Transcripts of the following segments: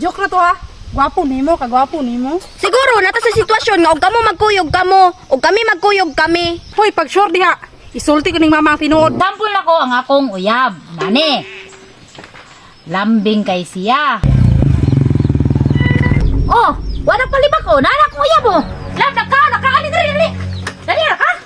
Joke na to ha. Gwapo nimo, kagwapo nimo. Siguro nata sa sitwasyon nga og kamo magkuyog kamo, og kami magkuyog kami. Hoy, pag sure diha, isulti ko ning mama ang tinuod. Example na ko ang akong uyab. Nani? Lambing kay siya. Oh, wala pa lima ko. Nana ko uyab mo. Lab na ka, nakaali dali. Dali na ka.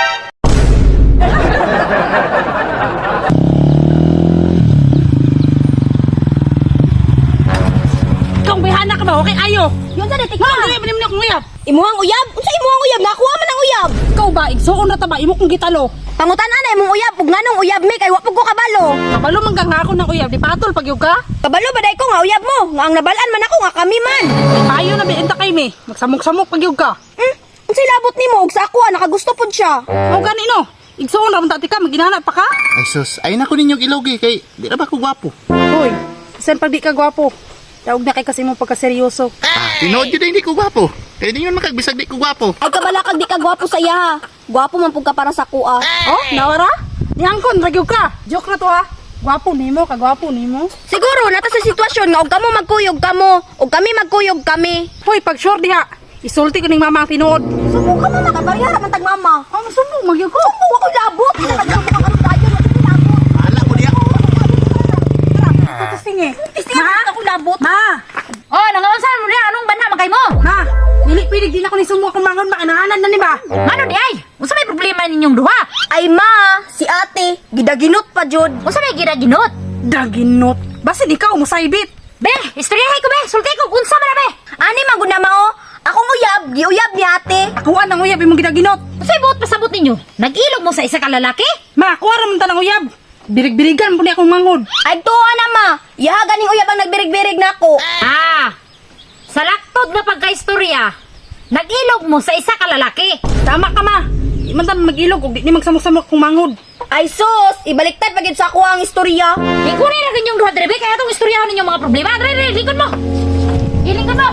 Kung bihana ka ba, okay ayo. Yun sa detik Ma, uyab nimo akong uyab. Imuhang uyab? Unsa imuhang uyab? Nakuha man ang uyab. Ikaw ba, igsuon na ta ba imo kong gitalo. Pangutan-an na imong uyab, ug nganong uyab mi kay wa pud ko kabalo. Kabalo man kang ako ng uyab, di patol pag yuga. Kabalo ba day ko nga uyab mo? Nga ang nabalaan man ako nga kami man. Payo na bienta kay mi. Magsamok-samok pag yuga. Unsay labot nimo og sa ako nakagusto pud siya. O gani no. Igsuon ra man tati ka, maginana pa ka. Ay sus, ay na ko ninyong ilogi kay di na ba ko gwapo? Hoy, isan pag di ka gwapo. Daog na kay kasi mo pagkaseryoso. Tinood yun hindi ko gwapo. Kaya di yun makagbisag di ko gwapo. Ay kabala kag di ka gwapo sa iya ha. Gwapo man pud ka para sa kuha. Oh, nawara? Nihangkon, ragyog ka. Joke na to ha. Gwapo nimo, kagwapo nimo. Siguro nata sa sitwasyon nga og kamo magkuyog kamo, og kami magkuyog kami. Hoy, pag sure diha, isulti ko ning mama ang tinuod. Sumo ka man nakabarya ra man tag mama. Ang sumo, magyug ko. Sumo ako labot. Nagsumo ka kanu dayon wa labot. Hala ko di ako. Tusing eh. Ma, ako labot. Ma, Oh, nangawansan mo niya. Anong banha man kay mo? ma, pilig din ako ni sumo akong mangon makinahanan na ni ba? Ano di ay? Unsa may problema ninyong duha? Ay ma, si ate, gidaginot pa jud. Unsa may ginaginot? Daginot. Basin ikaw, musaybit. Be, istoryahay ko be. Sulti ko unsa man na be. Ani man gud na mao? Akong uyab, giuyab ni ate. Akuan ang uyab imong gidaginot. Unsay buot pasabot ninyo? Nag-ilog mo sa isa ka lalaki? Ma, kuha ra man ta ng uyab. Birig-birigan po ni akong mangod. Ay tuwa na ma, yaha ganing uyab ang nagbirig-birig nako. Ah, sa laktod nga pagkaistorya, nag-ilog mo sa isa ka lalaki. Tama ka ma. Di man ta mag-ilog ug di ni magsamok-samok akong mangod. Ay sus, ibaliktad pagid sa ako ang istorya. Ikunin na ganyong duha drebe kaya itong istoryahan ninyong mga problema. Dre, lingkod mo. Ilingkod mo.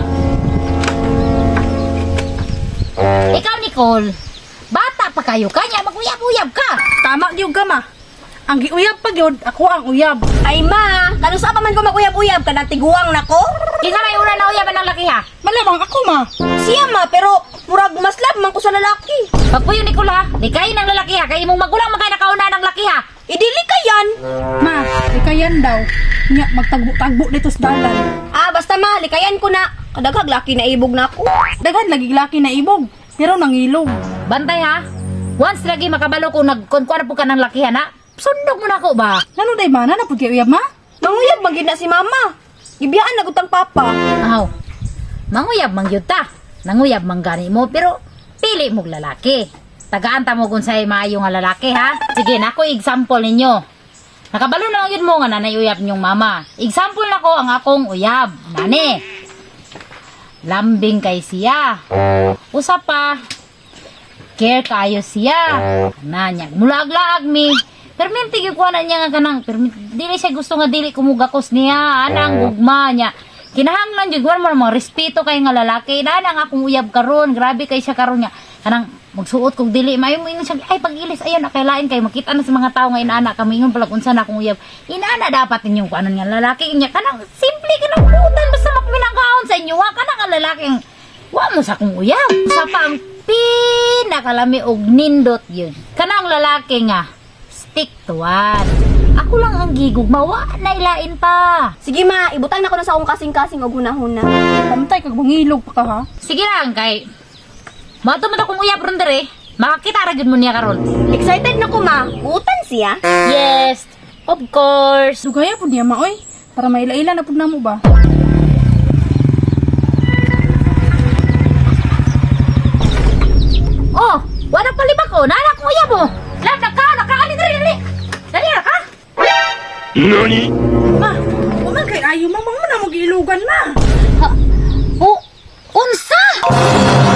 Ikaw, Nicole, bata pa kayo kanya, mag-uyab-uyab ka. Tama gyud ka ma. Ang giuyab pa gyud, ako ang uyab. Ay ma, kanusa pa man ko maguyab-uyab kada tiguang nako? Kinsa may una na uyaban ng laki ha? Malamang ako ma. Siya ma, pero murag mas lab man ko sa lalaki. Pagpuyo, Nicole ha, likayin ng lalaki ha, kaya imong magulang magkaya nakauna ng laki ha. Idili ka yan. Ma, ikayan daw. Nya magtagbo-tagbo dito sa dalan. Ah, basta ma, likayan ko na. Kadaghag laki na ibog na ako. Daghan lagi laki na ibog, pero nangilog. Bantay ha, once lagi makabalo kung nagkunkwana po ka ng laki ha na, sundog mo na ako ba? Ngano day ba na napud kay uyab ma? Manguyab magid na si mama. Gibiyaan na gutang papa. Aw, manguyab mang yun ta. Nanguyab mang gani mo, pero pili mong lalaki. Tagaan ta mo kung sa'y maayo nga lalaki, ha? Sige, nako example ninyo. Nakabalo na lang yun mo nga nanay uyab niyong mama. Example na ko ang akong uyab. Nani, lambing kay siya. Usa pa, care kayo siya. Nanya, mulaag-laag mi. Perminti gikuha na niya nga kanang, dili siya gusto nga dili kumugakos niya. Anang gugma niya. Kinahanglan jud mo mga respeto kay nga lalaki. Nana akong uyab karon, grabe kay siya karon niya. Kanang magsuot kog dili mayo mo ingon siya ay pag-ilis ayon na kay lain kay makita na sa mga tao nga inaana kami ingon pala unsa na akong uyab. Inaana dapat ninyong kuanon nga lalaki niya kanang simple kanang putan basta makminangkaon sa inyo wa kanang nga lalaking wa mo sa akong uyab. Sa pa ang pinakalami og nindot yun. Kanang lalaki nga stick to one. Ako lang ang gigugma, wa na ilain pa. Sige ma, ibutang na ko na sa akong kasing-kasing og hunahuna. Pantay kag mangilog pa ka ha. Sige lang kay mato kong uyab ron dere. Makakita ra gyud mo niya karon. Excited na ko ma. Utan siya. Yes, of course. Sugaya pud niya ma oy. Para maila-ila na pud namo ba. Oh, wala pa lima ko. Nana ko uyab mo. Lab na ka, nakaali dali. Dali na ka. Ma, uman kay ayo mamang mo na mo giilugan ma. Ha? Oh, unsa?